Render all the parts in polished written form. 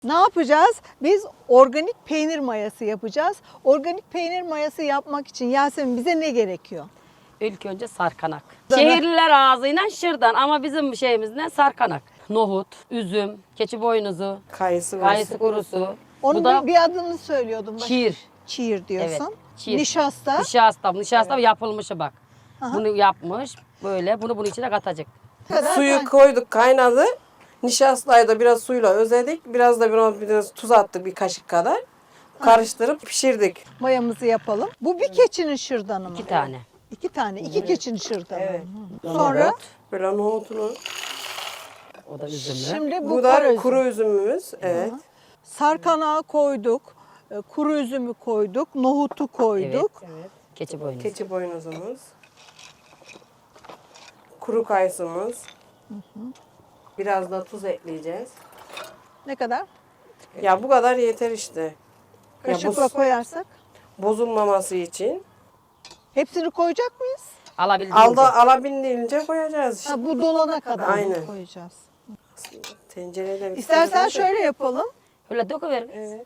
Ne yapacağız? Biz organik peynir mayası yapacağız. Organik peynir mayası yapmak için Yasemin bize ne gerekiyor? İlk önce sarkanak. Şehirliler ağzıyla şırdan ama bizim şeyimiz ne? Sarkanak. Nohut, üzüm, keçi boynuzu, Kayısı var. kayısı kurusu. Onun Bu da bir adını söylüyordum. çiğir. Çiğir diyorsun. Evet, çiğir. Nişasta. Nişasta yapılmışı bak. Bunu yapmış böyle. Bunu bunun içine katacak. Kadar Suyu koyduk, kaynadı. Nişastayı da biraz suyla özledik. Biraz da biraz tuz attık bir kaşık kadar. Karıştırıp pişirdik. mayamızı yapalım. Bu bir keçinin şırdanı mı? 2 tane. 2 tane. 2 keçinin şırdanı. Evet. Sonra Böyle nohutunu. O da üzümlü. şimdi bu Bu da kara üzüm. kuru üzümümüz. Evet. Sarkanağı koyduk. Kuru üzümü koyduk. Nohutu koyduk. Evet. Keçi boynuzu. Keçi boynuzumuz. Kuru kayısımız. Biraz da tuz ekleyeceğiz. Ne kadar? Ya bu kadar yeter işte. Ya Kaşıkla koyarsak. bozulmaması için. Hepsini koyacak mıyız? Alabildiğince. Alabildiğince koyacağız işte. Ha, bu dolana kadar Aynen. koyacağız. Tencereyle İstersen şöyle yapalım. Öyle döküver. Evet.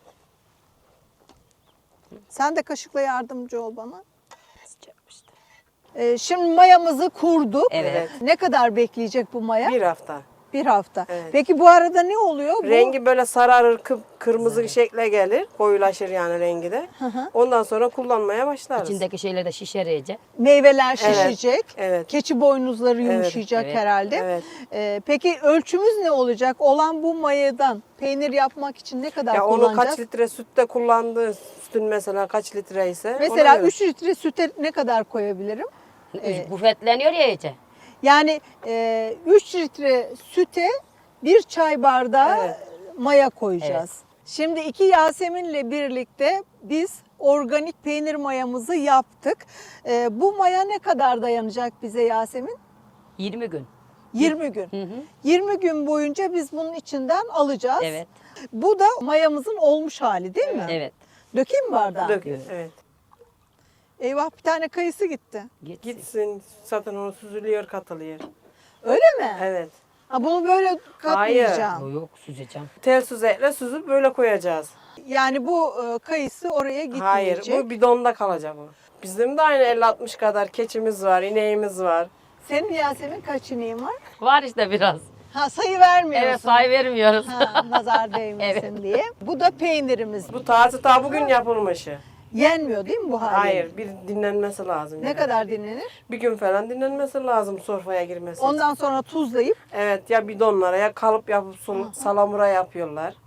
Sen de kaşıkla yardımcı ol bana. Sıcak işte. Şimdi mayamızı kurduk. Evet. Ne kadar bekleyecek bu maya? Bir hafta. Bir hafta. Evet. Peki bu arada ne oluyor? Rengi böyle sararır, kırmızı şekle gelir. Koyulaşır yani rengi de. Ondan sonra kullanmaya başlarız. İçindeki şeyler de şişer iyice. Bu meyveler şişecek. Evet. Keçi boynuzları yumuşayacak evet, herhalde. evet. Peki ölçümüz ne olacak? Olan bu mayadan peynir yapmak için ne kadar Ya onu kullanacağız? kaç litre sütte kullandığı, sütün mesela kaç litre ise. Mesela ona göre. 3 litre süte ne kadar koyabilirim? Bufetleniyor ya iyice. Yani 3 litre süte bir çay bardağı Evet. maya koyacağız. Şimdi iki Yasemin'le birlikte biz organik peynir mayamızı yaptık. Bu maya ne kadar dayanacak bize Yasemin? 20 gün. 20 gün. 20 gün boyunca biz bunun içinden alacağız. Evet. Bu da mayamızın olmuş hali değil mi? Evet. Dökeyim mi bardağı? Dökün. Evet. Eyvah, bir tane kayısı gitti. Gitsin zaten onu süzülüyor, katılıyor. Öyle mi? Evet. Ha, bunu böyle katlayacağım. Yok süzeceğim. Tel süzekle süzüp böyle koyacağız. Yani bu kayısı oraya gitmeyecek. Hayır, bu bidonda kalacak o. Bizim de aynı 50-60 kadar keçimiz var, ineğimiz var. Senin Yasemin kaç ineğin var? Var işte biraz. Ha, sayı vermiyorsun. Evet say vermiyoruz. Ha, nazar değmesin diye. Bu da peynirimiz. Bu taze ta bugün yapılmışı. Yenmiyor değil mi bu hali? Hayır, bir dinlenmesi lazım. Ne yani. kadar dinlenir? Bir gün falan dinlenmesi lazım sofraya girmesi için. Ondan sonra tuzlayıp Evet, ya bidonlara ya kalıp yapıp salamura yapıyorlar.